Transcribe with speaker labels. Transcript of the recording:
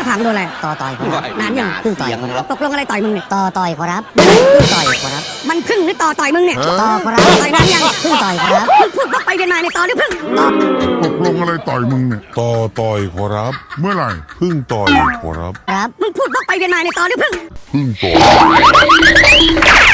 Speaker 1: ถามโดนอะไร
Speaker 2: ต่อต่อยขอรับ
Speaker 1: นานยัง
Speaker 2: พึ่งต่อยขอรับ
Speaker 1: ตกลงอะไรต่อยมึงเนี่ย
Speaker 2: ต่อต่อยขอรับพึ่งต่อยขอรับ
Speaker 1: มันพึ่งหรือต่อยมึงเนี่ย
Speaker 2: ต่อขอรับ
Speaker 1: ต่อยนานยัง
Speaker 2: พึ่งต่อยขอรับ
Speaker 1: มึงพูดวกไปเวียนมาในต่อหรือพึ่ง
Speaker 3: ตกลงอะไรต่อยมึงเนี่ย
Speaker 4: ต่อยขอรับ
Speaker 3: เมื่อไหร่
Speaker 4: พึ่งต่อยขอรับ
Speaker 2: ครับ
Speaker 1: มึงพูดวกไปเวียนมาในต่อหรือพึ่ง
Speaker 4: พึ่งต่อย